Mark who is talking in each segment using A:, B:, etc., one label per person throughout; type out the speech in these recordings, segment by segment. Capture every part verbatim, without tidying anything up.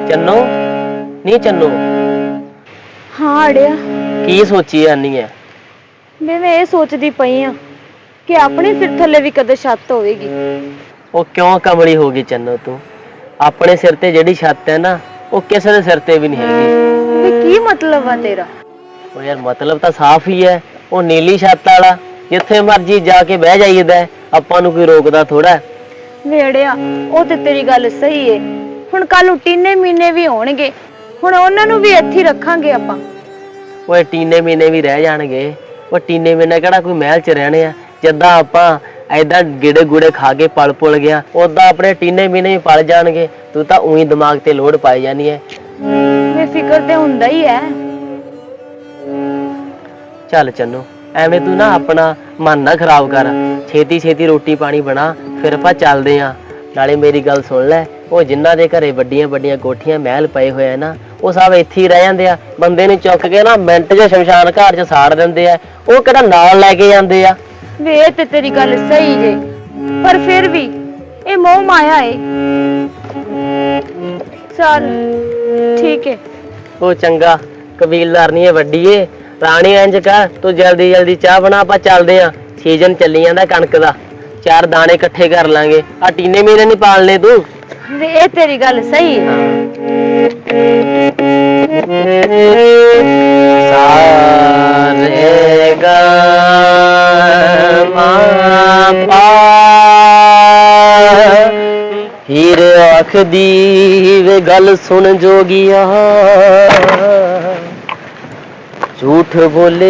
A: चन्नो नहीं चन्नो
B: हाँ अड़िया
A: की सोची जानी है?
B: मैं मैं ये सोचती पई हाँ कि अपने सिर थले भी कदे छत होगी।
A: वो क्यों कमली होगी चन्नो तू? अपने सिर ते जेडी छत है ना वो किसी के सिर ते भी नहीं हैगी।
B: की मतलब है तेरा?
A: ओ यार मतलब तो साफ ही है, वो नीली छत वाला जिथे मर्जी जाके बह जाईदा, आपां नूं कोई रोकदा थोड़ा है।
B: वे अड़िया वो ते तेरी गल सही है, हुण कल टीने मीने भी होणगे, हुण उन्हां नूं भी इत्थे रखांगे आपां।
A: ओए टीने मीने भी रह जाणगे, वो टीने मीने किहड़ा कोई महल च रहने आ? जिद्दां आपां ऐदा गिड़े गुड़े खा के पल पुल गया उदां अपने टीने मीने भी पल जाणगे। तू तां उही दिमाग ते लोड पाई जानी है।
B: मैं फिकर ते हुंदा ही है।
A: चल चन्नू एवें तू ना अपना मन ना खराब कर, छेती छेती रोटी पानी बना फिर आपां चलदे आ। नाले मेरी गल सुन लै, वो जिन्हां दे घरे वड्डियां वड्डियां कोठियां महल पए होए ना वो सब इत्थे ही रह जांदे आ। बंदे नूं चुक के ना मिंट च शमशान घाट च साड़ दिंदे आ, वो किहड़ा नाल लैके जांदे आ।
B: वे ते तेरी गल सही जे, पर फिर भी ये मोह माया है। चल ठीक है।
A: वो चंगा कबीलदार नहीं है वड्डी है राणी, इंज कर तू जल्दी जल्दी चाह बना, आपां चलदे आ। सीजन चली जांदा कणक दा, चार दाने इकट्ठे कर लांगे। आ टीने मीने नहीं पालने तू।
B: वे तेरी गल सही है।
A: सारे गा मा पा हीर आखदी वे गल सुन जोगिया, झूठ बोले।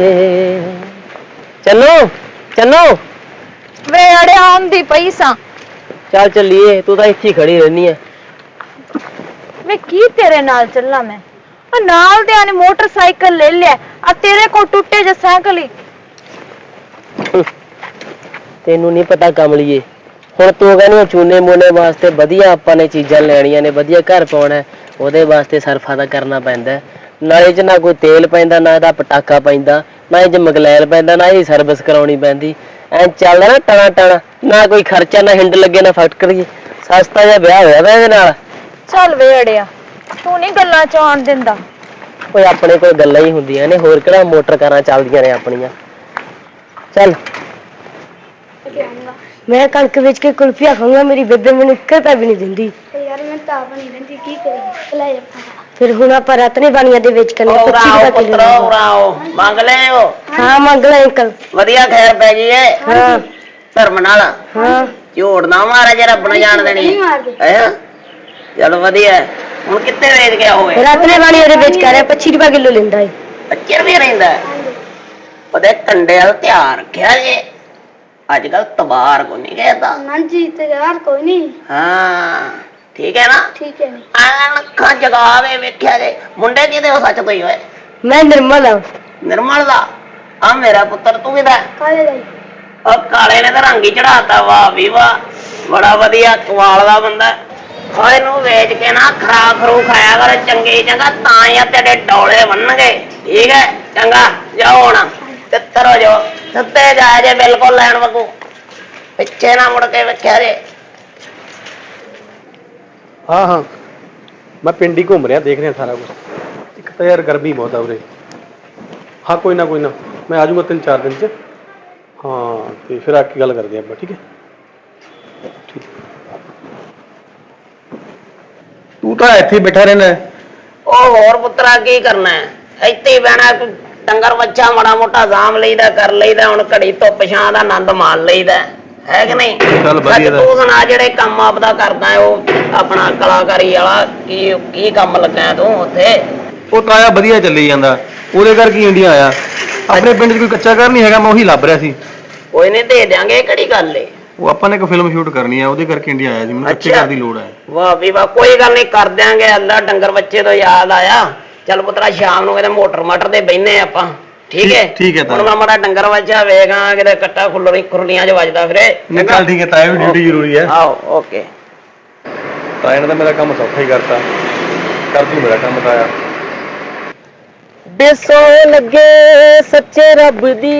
A: चलो चलो
B: वे अड़े आंदी पैसा।
A: चल चलिए, तू तो इत्थे खड़ी रहनी है।
B: मैं की तेरे नाल चलना? मैं आ नाल दे आने मोटरसाइकिल ले लिया, आ तेरे को टूटे जे साइकिल ही।
A: तेनू नहीं पता कमलिए, हुण तू कहनी चूने मूने वास्ते वधिया आपां ने चीज़ां लैणियां ने, वधिया घर पाउणा है, ओहदे वास्ते सरफा दा करना पैंदा है। नाले च ना कोई तेल पैंदा, ना इहदा पटाका पैंदा, ना इह च मगलैल पैंदा, ना ही सर्विस कराउणी पैंदी। ऐ चलदा ना टना टना, ना कोई खर्चा, ना हिंड लगे, ना फटकरी, सस्ता जिहा विआह होया वा इहदे नाल।
B: चल वे अड़िया तू नहीं गल्लां च आउण दिंदा।
A: ओए अपने कोल गल्लां ही हुंदियां ने, होर किहड़ा मोटर कारां चलदियां ने अपणियां। चल
B: मैं कणक बेच के कुल्फिया खाऊंगा, मेरी बेबे मैनूं इक्क रुपया भी नहीं दिंदी।
C: यार मैं तो आप नहीं रहती की करेगी ले
B: फिर हुण आपां रतने बाणियां दे बेच करने पच्चीस रुपए किलो
A: मंग ले ओ।
B: हाँ मंग ले अंकल।
A: वधिया खैर पै गई है।
B: हाँ
A: धर्म नाल।
B: हाँ
A: झूठ ना मारा जे रब ने जान देनी है। चल वधिया हुण कित्ते वेच के आओगे?
B: रतने बाणियां दे बेच कर पच्चीस रुपए किलो लेंदा है।
A: पच्चीस रुपए रहिंदा ओदे कंडे वाल ध्यान रखिया जे, अजकल तबार को नहीं कहता
C: ना जी तेरे यार कोई नहीं।
A: हाँ ठीक है ना?
C: ठीक है
A: अखा जगावे वेख्या जे। मुंडे किहदे हो सच तो ही होए?
B: मैं निर्मल हां।
A: निर्मल दा? आ मेरा पुत्र तू किहदा?
C: काले दा।
A: और काले ने तो रंग ही चढ़ाता, वाह भी वाह, बड़ा वधिया कमाल दा बंदा। और इनू वेच के ना खरा खरू खाया कर चंगी चंगा, तां ही तेरे डोले बनणगे। ठीक है चंगा जाओ हुण तित्तर हो जाओ, सत्ते जाए जे बिल्कुल लैण वगू, पिछे ना मुड़ के वेख्या जे।
D: हाँ हाँ मैं पिंड ही घूम रहा, देख रहा सारा कुछ। एक तो यार गर्मी बहुत है उरे। हाँ कोई ना कोई ना मैं आ जाऊँगा तीन चार दिन से। हाँ तो फिर आके गल करते हैं, ठीक है ठीक। तू तो इत्थे बैठा रहना है।
A: ओ होर पुत्रा की करना है, इत्थे ही बहना। डंगर बच्चा माड़ा मोटा साम लईदा कर लईदा, हुण घड़ी धुप छां दा आनंद मान लईदा है कि नहीं?
D: चल वधिया दा।
A: तू सुना जेड़े काम आपदा करदा है वो अपना कलाकारी वाला की की काम लगा है तू उत्थे?
D: ਉਹ ਤਾਇਆ ਵਧੀਆ ਚੱਲੀ ਜਾਂਦਾ, ਉਹਦੇ ਕਰਕੇ ਇੰਡੀਆ ਆਇਆ। ਆਪਣੇ ਪਿੰਡ 'ਚ ਕੋਈ ਕੱਚਾ ਘਰ ਨਹੀਂ ਹੈਗਾ, ਮੈਂ ਉਹੀ ਲੱਭ ਰਿਹਾ ਸੀ।
A: ਕੋਈ ਨਹੀਂ ਦੇ ਦਿਆਂਗੇ, ਕਿਹੜੀ ਗੱਲ ਏ।
D: ਉਹ ਆਪਾਂ ਨੇ ਇੱਕ ਫਿਲਮ ਸ਼ੂਟ ਕਰਨੀ ਹੈ, ਉਹਦੇ ਕਰਕੇ ਇੰਡੀਆ ਆਇਆ ਸੀ। ਮੈਨੂੰ ਕੱਚੇ ਘਰ ਦੀ ਲੋੜ ਹੈ।
A: ਵਾਹ ਵੀ ਵਾਹ, ਕੋਈ ਗੱਲ ਨਹੀਂ ਕਰ ਦਿਆਂਗੇ। ਅੱਲਾ ਡੰਗਰ ਬੱਚੇ ਤੋਂ ਯਾਦ ਆਇਆ, ਚੱਲ ਪੁੱਤਰਾ ਸ਼ਾਮ ਨੂੰ ਕਿਤੇ ਮੋਟਰ ਮਾਟਰ ਦੇ ਬਹਿਨੇ ਆਪਾਂ, ਠੀਕ ਹੈ?
D: ਠੀਕ ਹੈ।
A: ਹੁਣ ਮੈਂ ਮਾੜਾ ਡੰਗਰ ਬੱਚਾ ਵੇਖਾਂ ਕਿਤੇ ਕੱਟਾ ਖੁੱਲਰੀ ਖੁਰਲੀਆਂ 'ਚ ਵੱਜਦਾ ਫਿਰੇ।
D: ਨਿਕਲ ਠੀਕ ਹੈ ਤਾਇਆ, ਵੀ ਡਿਊਟੀ ਜ਼ਰੂਰੀ ਹੈ।
A: ਆਓ ਓਕੇ।
D: ਤਾਇਆ ਨੇ ਤਾਂ ਮੇਰਾ ਕੰਮ ਸੌਖਾ ਹੀ ਕਰਤਾ, ਕਰ ਤੂੰ ਮੇਰਾ ਕੰਮ ਤਾਇਆ।
A: बेसो लगे सच्चे रब दी,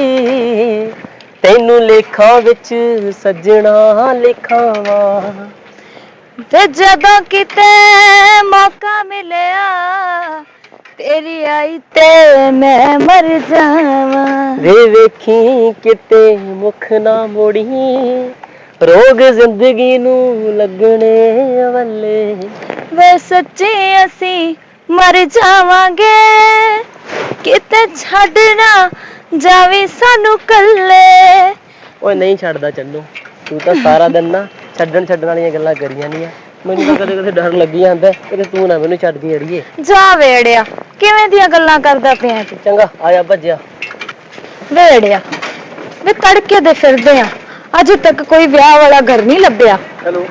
A: तैनू लेखा विच सजना लिखावा।
B: ਤੇ ਜਦੋਂ ਕਿਤੇ ਮੌਕਾ ਮਿਲਿਆ ਤੇਰੀ ਆਈ ਤੇ ਮੈਂ ਮਰ ਜਾਵਾਂ।
A: ਵੇ ਵੇਖੀ ਕਿਤੇ ਮੁਖ ਨਾ ਮੋੜੀ ਰੋਗ ਜ਼ਿੰਦਗੀ ਨੂੰ ਲੱਗਣੇ ਵੱਲੇ।
B: ਵੇ ਸੱਚੀ ਅਸੀਂ ਮਰ ਜਾਵਾਂਗੇ ਕਿਤੇ ਛੱਡ ਨਾ ਜਾਵੇ ਸਾਨੂੰ ਕੱਲੇ।
A: ਓਏ ਨਹੀਂ ਛੱਡਦਾ ਚੰਨੂ, ਤੂੰ ਤਾਂ ਸਾਰਾ ਦਿਨ ਨਾ ਛੱਡਣ ਛੱਡਣ ਵਾਲੀਆਂ ਗੱਲਾਂ ਕਰੀ ਜਾਂਦੀ ਆ। ਮੈਨੂੰ ਤਾਂ ਕਦੇ ਕਦੇ ਡਰ ਲੱਗੀ ਜਾਂਦਾ ਕਿ ਤੂੰ ਨਾ ਮੈਨੂੰ ਛੱਡਦੀ ਅੜੀਏ।
B: ਜਾ ਵੇੜਿਆ, ਕਿਵੇਂ ਦੀਆਂ ਗੱਲਾਂ ਕਰਦਾ ਪਿਆ ਤੂੰ?
A: ਚੰਗਾ ਆ ਜਾ ਭੱਜਿਆ।
B: ਵੇੜਿਆ ਵੇ ਤੜਕੇ ਦੇ ਫਿਰਦੇ ਆ, ਅਜੇ ਤੱਕ ਕੋਈ ਵਿਆਹ ਵਾਲਾ ਘਰ ਨਹੀਂ ਲੱਭਿਆ।
D: ਹੈਲੋ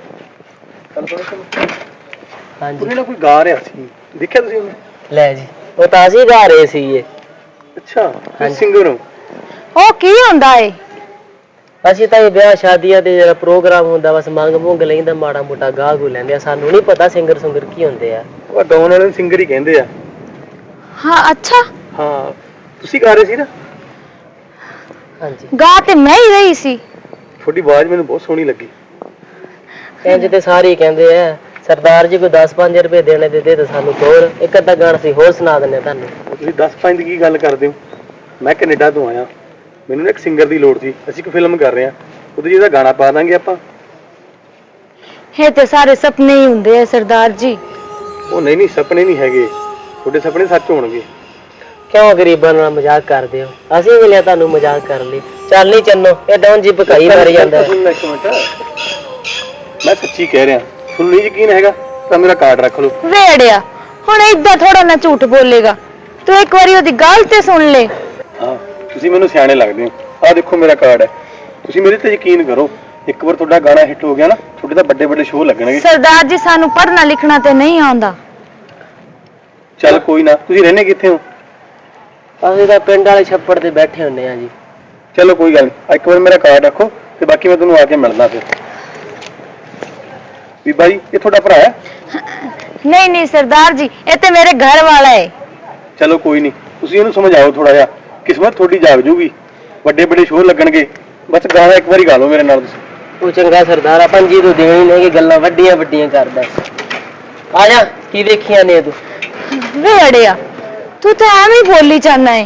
A: ਹਾਂਜੀ
D: ਉਹਨੇ ਨਾ ਕੋਈ ਗਾ ਰਿਹਾ ਸੀ, ਦੇਖਿਆ ਤੁਸੀਂ ਉਹਨੂੰ?
A: ਲੈ ਜੀ, ਉਹ ਤਾਂ ਅਸੀਂ ਗਾ ਰਹੇ ਸੀਗੇ।
D: ਅੱਛਾ,
A: ਹਾਂਜੀ।
D: ਸਿੰਗਰ ਹੋ?
B: ਉਹ ਕੀ ਹੁੰਦਾ ਏ?
A: ਅਸੀਂ ਤਾਂ ਇਹ ਵਿਆਹ ਸ਼ਾਦੀਆਂ ਤੇ ਜਿਹੜਾ ਪ੍ਰੋਗਰਾਮ ਹੁੰਦਾ ਬਸ ਮੰਗ ਮੁੰਗ ਲੈਂਦਾ ਮਾੜਾ ਮੋਟਾ ਗਾ ਗੂ ਲੈਂਦੇ ਆ। ਸਾਨੂੰ ਨਹੀਂ ਪਤਾ ਸਿੰਗਰ ਸੁੰਗਰ ਕੀ ਹੁੰਦੇ ਆ।
D: ਉਹ ਗਾਉਣ ਵਾਲੇ ਨੂੰ ਸਿੰਗਰ ਹੀ ਕਹਿੰਦੇ ਆ।
B: ਹਾਂ ਅੱਛਾ,
D: ਹਾਂ ਤੁਸੀਂ ਗਾ ਰਹੇ ਸੀ ਨਾ?
A: ਹਾਂਜੀ
B: ਗਾ ਤੇ ਮੈਂ ਹੀ ਰਹੀ ਸੀ।
D: ਤੁਹਾਡੀ ਆਵਾਜ਼ ਮੈਨੂੰ ਬਹੁਤ ਸੋਹਣੀ ਲੱਗੀ।
A: ਇੰਜ ਤੇ ਸਾਰੇ ਹੀ ਕਹਿੰਦੇ ਆ। ਸਰਦਾਰ ਜੀ ਕੋਈ ਦਸ ਪੰਜ ਰੁਪਏ ਦੇਣੇ ਦੇ ਦੇ ਤਾਂ ਸਾਨੂੰ ਹੋਰ ਇੱਕ ਅੱਧਾ ਗਾਣਾ ਸੀ ਹੋਰ ਸੁਣਾ ਦਿੰਦੇ ਤੁਹਾਨੂੰ।
D: ਤੁਸੀਂ ਦਸ ਪੰਜ ਦੀ ਕੀ ਗੱਲ ਕਰਦੇ ਹੋ? ਮੈਂ ਕੈਨੇਡਾ ਤੋਂ ਆਇਆ, ਮੈਨੂੰ ਨਾ ਇੱਕ ਸਿੰਗਰ ਦੀ ਲੋੜ ਸੀ। ਅਸੀਂ ਇੱਕ ਫਿਲਮ ਕਰ ਰਹੇ ਹਾਂ, ਉਹਦੇ ਜਿਹਦਾ ਗਾਣਾ ਪਾ ਦਾਂਗੇ ਆਪਾਂ।
B: ਇਹ ਤੇ ਸਾਰੇ ਸੁਪਨੇ ਹੀ ਹੁੰਦੇ ਆ ਸਰਦਾਰ ਜੀ।
D: ਉਹ ਨਹੀਂ ਨਹੀਂ, ਸੁਪਨੇ ਨਹੀਂ ਹੈਗੇ, ਤੁਹਾਡੇ ਸੁਪਨੇ ਸੱਚ ਹੋਣਗੇ।
A: ਕਿਉਂ ਗਰੀਬਾਂ ਨਾਲ ਮਜ਼ਾਕ ਕਰਦੇ ਹੋ? ਅਸੀਂ ਵੀ ਲਿਆ ਤੁਹਾਨੂੰ ਮਜ਼ਾਕ ਕਰ ਲਈ। ਚੱਲ ਨਹੀਂ ਚੰਨੋ, ਇਹ ਡੌਨ ਜੀ ਭਕਾਈ ਮਾਰੀ ਜਾਂਦਾ।
D: ਇੱਕ ਮਿੰਟ, ਮੈਂ ਸੱਚੀ ਕਹਿ ਰਿਹਾ, ਤੁਹਾਨੂੰ ਨਹੀਂ ਯਕੀਨ ਹੈਗਾ ਤਾਂ ਮੇਰਾ ਕਾਰਡ ਰੱਖ ਲਓ।
B: ਵੇੜਿਆ ਹੁਣ ਏਦਾਂ ਥੋੜਾ ਨਾ ਝੂਠ ਬੋਲੇਗਾ, ਤੂੰ ਇੱਕ ਵਾਰੀ ਉਹਦੀ ਗੱਲ ਤੇ ਸੁਣ ਲੈ।
D: ਹਾਂ ਤੁਸੀਂ ਮੈਨੂੰ ਸਿਆਣੇ ਲੱਗਦੇ ਹੋ। ਆਹ ਦੇਖੋ ਮੇਰਾ ਕਾਰਡ ਹੈ, ਤੁਸੀਂ ਮੇਰੇ ਤੇ ਯਕੀਨ ਕਰੋ। ਇੱਕ ਵਾਰ ਤੁਹਾਡਾ ਗਾਣਾ ਹਿੱਟ ਹੋ ਗਿਆ ਨਾ, ਤੁਹਾਡੇ ਤਾਂ ਵੱਡੇ ਵੱਡੇ ਸ਼ੋਅ ਲੱਗਣਗੇ।
B: ਸਰਦਾਰ ਜੀ ਸਾਨੂੰ ਪੜ੍ਹਨਾ ਲਿਖਣਾ ਤੇ ਨਹੀਂ ਆਉਂਦਾ।
D: ਚੱਲ ਕੋਈ ਨਾ, ਤੁਸੀਂ ਰਹਿੰਦੇ ਕਿੱਥੇ ਹੋ?
A: ਅਸੀਂ ਤਾਂ ਪਿੰਡ ਵਾਲੇ ਛੱਪੜ ਤੇ ਬੈਠੇ ਹੁੰਦੇ ਆ ਜੀ।
D: ਚਲੋ ਕੋਈ ਗੱਲ ਨਹੀਂ, ਇੱਕ ਵਾਰ ਮੇਰਾ ਕਾਰਡ ਰੱਖੋ ਤੇ ਬਾਕੀ ਮੈਂ ਤੁਹਾਨੂੰ ਆ ਕੇ ਮਿਲਦਾ ਫਿਰ। ਬੀਬਾ ਜੀ ਇਹ ਤੁਹਾਡਾ ਭਰਾ ਹੈ?
B: ਨਹੀਂ ਨਹੀਂ ਸਰਦਾਰ ਜੀ, ਇਹ ਤੇ ਮੇਰੇ ਘਰ ਵਾਲਾ ਹੈ।
D: ਚਲੋ ਕੋਈ ਨਹੀਂ, ਤੁਸੀਂ ਇਹਨੂੰ ਸਮਝਾਓ ਥੋੜਾ ਜਿਹਾ, ਕਿਸਮਤ ਤੁਹਾਡੀ ਜਾਗ ਜੂਗੀ, ਵੱਡੇ ਵੱਡੇ ਸ਼ੋਅ ਲੱਗਣਗੇ। ਬਸ ਗਾਣਾ ਇੱਕ ਵਾਰੀ ਗਾ ਲਓ ਮੇਰੇ ਨਾਲ ਤੁਸੀਂ।
A: ਉਹ ਚੰਗਾ ਸਰਦਾਰ ਆ, ਪੰਜੀ ਤੋਂ ਦੇਣੀ ਨਹੀਂ ਕਿ ਗੱਲਾਂ ਵੱਡੀਆਂ ਵੱਡੀਆਂ ਕਰਦਾ। ਆ ਜਾ, ਕੀ ਦੇਖੀਆਂ ਨੇ ਤੂੰ?
B: ਵੇੜਿਆ ਤੂੰ ਤਾਂ ਐਵੇਂ ਹੀ ਬੋਲੀ ਜਾਂਦਾ ਹੈ।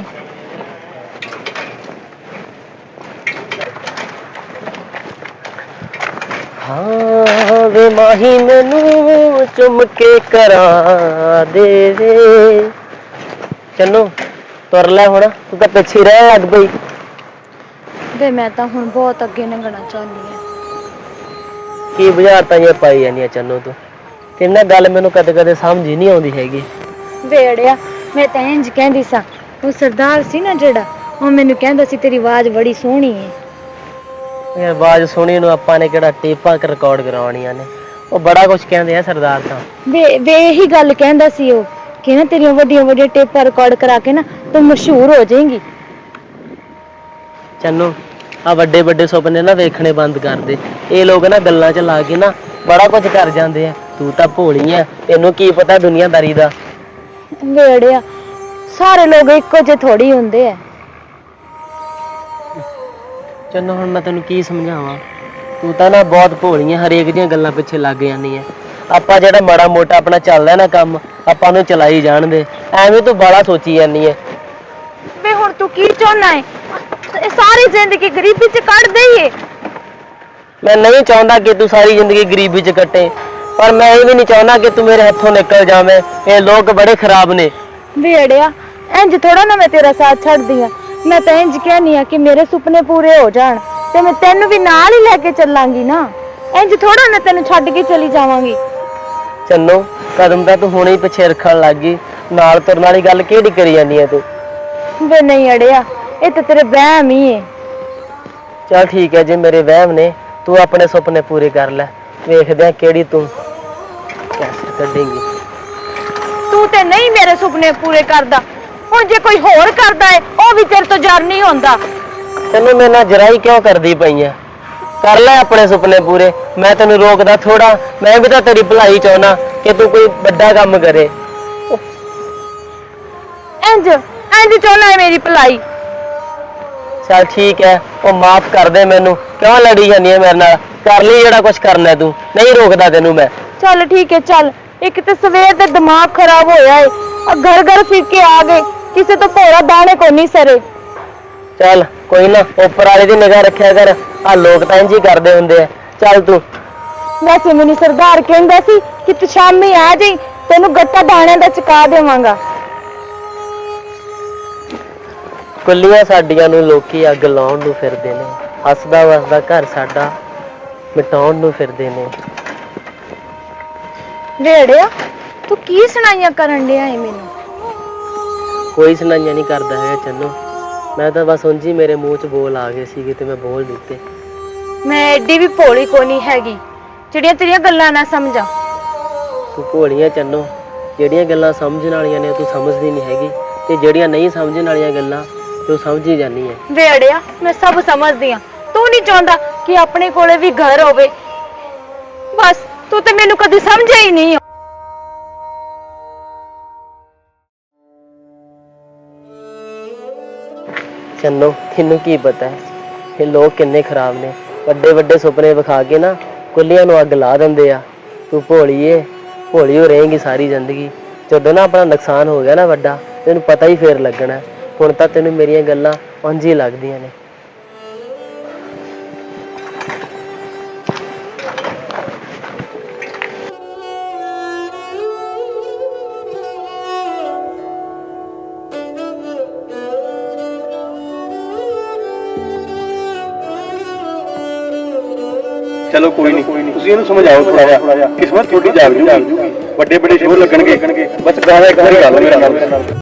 A: ਹਾਂ ਵੇ ਮਾਹੀ ਮੈਨੂੰ ਚੁੰਮ ਕੇ ਕਰਾ ਦੇ ਵੇ। ਚੰਨੂ ਤੁਰ ਲੈ ਹੁਣ, ਤੂੰ ਤਾਂ ਪਿੱਛੇ ਰਹਿ ਲੱਗ ਪਈ।
B: ਵੇ ਮੈਂ ਤਾਂ ਹੁਣ ਬਹੁਤ ਅੱਗੇ ਲੰਘਣਾ ਚਾਹੁੰਦੀ ਹਾਂ।
A: ਕੀ ਬੁਝਾਰਤਾਂ ਜਿਹੀਆਂ ਪਾਈ ਜਾਂਦੀਆਂ ਚੰਨੂ ਤੂੰ? ਤੇਰੇ ਨਾਲ ਗੱਲ ਮੈਨੂੰ ਕਦੇ ਕਦੇ ਸਮਝ ਹੀ ਨਹੀਂ ਆਉਂਦੀ ਹੈਗੀ।
B: ਵੇੜਿਆ ਮੈਂ ਤਾਂ ਇੰਜ ਕਹਿੰਦੀ ਸਾਂ, ਉਹ ਸਰਦਾਰ ਸੀ ਨਾ ਜਿਹੜਾ, ਉਹ ਮੈਨੂੰ ਕਹਿੰਦਾ ਸੀ ਤੇਰੀ ਆਵਾਜ਼ ਬੜੀ ਸੋਹਣੀ ਹੈ।
A: ਯਾਰ ਆਵਾਜ਼ ਸੁਣੀ ਨੂੰ ਆਪਾਂ ਨੇ ਕਿਹੜਾ ਟੇਪਾਂ ਰਿਕਾਰਡ ਕਰਾਉਣੀਆਂ ਨੇ? ਉਹ ਬੜਾ ਕੁਝ ਕਹਿੰਦੇ ਆ ਸਰਦਾਰ ਤਾਂ।
B: ਵੇ ਵੇ ਇਹੀ ਗੱਲ ਕਹਿੰਦਾ ਸੀ ਉਹ, ਕਿ ਨਾ ਤੇਰੀਆਂ ਵੱਡੀਆਂ ਵੱਡੀਆਂ ਟੇਪਾਂ ਰਿਕਾਰਡ ਕਰਾ ਕੇ ਨਾ ਤੂੰ ਮਸ਼ਹੂਰ ਹੋ ਜਾਏਂਗੀ।
A: ਚੰਨੂ ਆ ਵੱਡੇ ਵੱਡੇ ਸੁਪਨੇ ਨਾ ਵੇਖਣੇ ਬੰਦ ਕਰ ਦੇ। ਇਹ ਲੋਕ ਨਾ ਗੱਲਾਂ 'ਚ ਲਾ ਕੇ ਨਾ ਬੜਾ ਕੁਝ ਕਰ ਜਾਂਦੇ ਆ। ਤੂੰ ਤਾਂ ਭੋਲੀ ਆ, ਤੈਨੂੰ ਕੀ ਪਤਾ ਦੁਨੀਆਦਾਰੀ ਦਾ।
B: ਵੇੜਿਆ ਸਾਰੇ ਲੋਕ ਇੱਕੋ ਜਿਹੇ ਥੋੜੀ ਹੁੰਦੇ ਆ।
A: ਚੰਨੂ ਹੁਣ ਮੈਂ ਤੈਨੂੰ ਕੀ ਸਮਝਾਵਾਂ? ਤੂੰ ਤਾਂ ਨਾ ਬਹੁਤ ਭੋਲੀ ਆ, ਹਰੇਕ ਦੀਆਂ ਗੱਲਾਂ ਪਿੱਛੇ ਲੱਗ ਜਾਂਦੀ ਆ। ਆਪਾਂ ਜਿਹੜਾ ਮਾੜਾ ਮੋਟਾ ਆਪਣਾ ਚੱਲਦਾ ਨਾ ਕੰਮ, ਆਪਾਂ ਨੂੰ ਚਲਾਈ ਜਾਣ ਦੇ। ਐਵੇਂ ਤੂੰ ਬਾਲਾ ਸੋਚੀ ਜਾਂਦੀ ਹੈ।
B: ਵੇ ਹੁਣ ਤੂੰ ਕੀ ਚਾਹੁੰਦਾ ਹੈ? ਇਹ ਸਾਰੀ ਜ਼ਿੰਦਗੀ ਗਰੀਬੀ 'ਚ ਕੱਢ ਦੇਈਏ?
A: ਮੈਂ ਨਹੀਂ ਚਾਹੁੰਦਾ ਕਿ ਤੂੰ ਸਾਰੀ ਜ਼ਿੰਦਗੀ ਗਰੀਬੀ 'ਚ ਕੱਟੇ, ਪਰ ਮੈਂ ਇਹ ਵੀ ਨਹੀਂ ਚਾਹੁੰਦਾ ਕਿ ਤੂੰ ਮੇਰੇ ਹੱਥੋਂ ਨਿਕਲ ਜਾਵੇਂ। ਇਹ ਲੋਕ ਬੜੇ ਖਰਾਬ ਨੇ।
B: ਵੇੜਿਆ ਇੰਜ ਥੋੜਾ ਨਾ ਮੈਂ ਤੇਰਾ ਸਾਥ ਛੱਡਦੀ ਆ। ਮੈਂ ਤਾਂ ਇੰਜ ਕਹਿਨੀ ਆ ਕਿ ਮੇਰੇ ਸੁਪਨੇ ਪੂਰੇ ਹੋ ਜਾਣ ਤੇ ਮੈਂ ਤੈਨੂੰ ਵੀ ਨਾਲ ਹੀ ਲੈ ਕੇ ਚੱਲਾਂਗੀ ਨਾ। ਇੰਜ ਥੋੜਾ ਨਾ ਤੈਨੂੰ ਛੱਡ ਕੇ ਚਲੀ ਜਾਵਾਂਗੀ।
A: ਚੰਨੂ ਕਦਮ ਤਾਂ ਤੂੰ ਹੁਣੇ ਹੀ ਪਿੱਛੇ ਰੱਖਣ ਲੱਗ ਗਈ। ਨਾਲ ਤੁਰਨ ਵਾਲੀ ਗੱਲ ਕਿਹੜੀ ਕਰੀ ਜਾਂਦੀ ਹੈ ਤੂੰ?
B: ਵੇ ਨਹੀਂ ਅੜਿਆ, ਇਹ ਤਾਂ ਤੇਰੇ ਵਹਿਮ ਹੀ ਹੈ।
A: ਚੱਲ ਠੀਕ ਹੈ, ਜੇ ਮੇਰੇ ਵਹਿਮ ਨੇ, ਤੂੰ ਆਪਣੇ ਸੁਪਨੇ ਪੂਰੇ ਕਰ ਲੈ। ਵੇਖਦੇ ਆ ਕਿਹੜੀ ਤੂੰ ਕੈਸੇ ਕੱਢੇਂਗੀ।
B: ਤੂੰ ਤੇ ਨਹੀਂ ਮੇਰੇ ਸੁਪਨੇ ਪੂਰੇ ਕਰਦਾ, ਹੁਣ ਜੇ ਕੋਈ ਹੋਰ ਕਰਦਾ ਹੈ ਉਹ ਵੀ ਤੇਰੇ ਤੋਂ ਜਰ ਨਹੀਂ ਹੁੰਦਾ।
A: ਤੈਨੂੰ ਮੇਰੇ ਨਾਲ ਜਰਾਈ ਕਿਉਂ ਕਰਦੀ ਪਈ ਆ? ਕਰ ਲੈ ਆਪਣੇ ਸੁਪਨੇ ਪੂਰੇ, ਮੈਂ ਤੈਨੂੰ ਰੋਕਦਾ ਥੋੜਾ। ਮੈਂ ਵੀ ਤਾਂ ਤੇਰੀ ਭਲਾਈ ਚਾਹੁੰਦਾ ਕਿ ਤੂੰ ਕੋਈ ਵੱਡਾ ਕੰਮ ਕਰੇ।
B: ਇੰਜ ਇੰਜ ਚਾਹੁੰਦਾ ਹੈ ਮੇਰੀ ਭਲਾਈ?
A: ਚੱਲ ਠੀਕ ਹੈ, ਉਹ ਮਾਫ ਕਰ ਦੇ ਮੈਨੂੰ। ਕਿਉਂ ਲੜੀ ਜਾਂਦੀ ਹੈ ਮੇਰੇ ਨਾਲ? ਕਰ ਲਈ ਜਿਹੜਾ ਕੁਝ ਕਰਨਾ ਤੂੰ, ਨਹੀਂ ਰੋਕਦਾ ਤੈਨੂੰ ਮੈਂ।
B: ਚੱਲ ਠੀਕ ਹੈ ਚੱਲ, ਇੱਕ ਤੇ ਸਵੇਰ ਦਾ ਦਿਮਾਗ ਖਰਾਬ ਹੋਇਆ ਏ, ਆ ਘਰ ਘਰ ਫਿਰ ਕੇ ਆ ਗਏ, ਕਿਸੇ ਤੋਂ ਭੋਰਾ ਦਾਣੇ ਕੋ ਨਹੀਂ ਸਰੇ।
A: ਚੱਲ ਕੋਈ ਨਾ, ਉੱਪਰ ਵਾਲੇ ਦੀ ਨਿਗਾਹ ਰੱਖਿਆ ਕਰ, ਆ ਲੋਕ ਤਾਂ ਇੰਝ ਹੀ ਕਰਦੇ ਹੁੰਦੇ ਆ। ਚੱਲ ਤੂੰ।
B: ਵੈਸੇ ਮੈਨੂੰ ਸਰਦਾਰ ਕਹਿੰਦਾ ਸੀ ਕਿ ਤੂੰ ਸ਼ਾਮੀ ਆ ਜਾਈ, ਤੈਨੂੰ ਗੱਟਾ ਦਾਣਿਆਂ ਦਾ ਚੁਕਾ ਦੇਵਾਂਗਾ।
A: ਕੁੱਲੀਆਂ ਸਾਡੀਆਂ ਨੂੰ ਲੋਕੀ ਅੱਗ ਲਾਉਣ ਨੂੰ ਫਿਰਦੇ ਨੇ, ਹੱਸਦਾ ਵਸਦਾ ਘਰ ਸਾਡਾ ਮਿਟਾਉਣ ਨੂੰ ਫਿਰਦੇ ਨੇ।
B: ਵੇੜਿਆ ਤੂੰ ਕੀ ਸੁਣਾਈਆਂ ਕਰਨ ਡਿਆ ਏ ਮੈਨੂੰ?
A: ਕੋਈ ਸੁਣਾਈਆਂ ਨਹੀਂ ਕਰਦਾ ਹੈਗਾ ਚੰਨੋ, ਮੈਂ ਤਾਂ ਬਸ ਉਂਝ ਹੀ ਮੇਰੇ ਮੂੰਹ 'ਚ ਬੋਲ ਆ ਗਏ ਸੀਗੇ ਤੇ ਮੈਂ ਬੋਲ ਦਿੱਤੇ।
B: ਮੈਂ ਐਡੀ ਵੀ ਭੋਲੀ ਕੋ ਨਹੀਂ ਹੈਗੀ ਜਿਹੜੀਆਂ ਤੇਰੀਆਂ ਗੱਲਾਂ ਨਾ ਸਮਝਾਂ।
A: ਤੂੰ ਭੋਲੀਆਂ ਚੰਨੋ, ਜਿਹੜੀਆਂ ਗੱਲਾਂ ਸਮਝਣ ਵਾਲੀਆਂ ਨੇ ਤੂੰ ਸਮਝਦੀ ਨਹੀਂ ਹੈਗੀ, ਤੇ ਜਿਹੜੀਆਂ ਨਹੀਂ ਸਮਝਣ ਵਾਲੀਆਂ ਗੱਲਾਂ ਤੂੰ ਸਮਝ ਹੀ ਜਾਂਦੀ ਹੈ।
B: ਵੇੜਿਆ ਮੈਂ ਸਭ ਸਮਝਦੀ ਆ, ਤੂੰ ਨਹੀਂ ਚਾਹੁੰਦਾ ਕਿ ਆਪਣੇ ਕੋਲੇ ਵੀ ਘਰ ਹੋਵੇ, ਬਸ ਤੂੰ ਤੇ ਮੈਨੂੰ ਕਦੀ ਸਮਝਿਆ ਹੀ ਨਹੀਂ।
A: ਚੰਨੋ ਤੈਨੂੰ ਕੀ ਪਤਾ ਹੈ ਇਹ ਲੋਕ ਕਿੰਨੇ ਖਰਾਬ ਨੇ, ਵੱਡੇ ਵੱਡੇ ਸੁਪਨੇ ਵਿਖਾ ਕੇ ਨਾ ਕੁੱਲੀਆਂ ਨੂੰ ਅੱਗ ਲਾ ਦਿੰਦੇ ਆ। ਤੂੰ ਭੋਲੀ ਏ, ਭੋਲੀ ਹੋ ਰਹੇਂਗੀ ਸਾਰੀ ਜ਼ਿੰਦਗੀ। ਜਦੋਂ ਨਾ ਆਪਣਾ ਨੁਕਸਾਨ ਹੋ ਗਿਆ ਨਾ ਵੱਡਾ, ਤੈਨੂੰ ਪਤਾ ਹੀ ਫੇਰ ਲੱਗਣਾ। ਹੁਣ ਤਾਂ ਤੈਨੂੰ ਮੇਰੀਆਂ ਗੱਲਾਂ ਉਂਝ ਹੀ ਲੱਗਦੀਆਂ ਨੇ।
D: ਚਲੋ ਕੋਈ ਨਹੀਂ, ਤੁਸੀਂ ਇਹਨੂੰ ਸਮਝਾਓ ਥੋੜਾ ਜਿਹਾ, ਕਿਸਮਤ ਤੁਹਾਡੀ ਜਾਗ ਜੂਗੀ, ਵੱਡੇ ਵੱਡੇ ਸ਼ੋਅ ਲੱਗਣਗੇ, ਬਸ ਗਾਣਾ ਇੱਕ ਵਾਰੀ ਗਾ ਲਓ ਮੇਰੇ ਨਾਲ।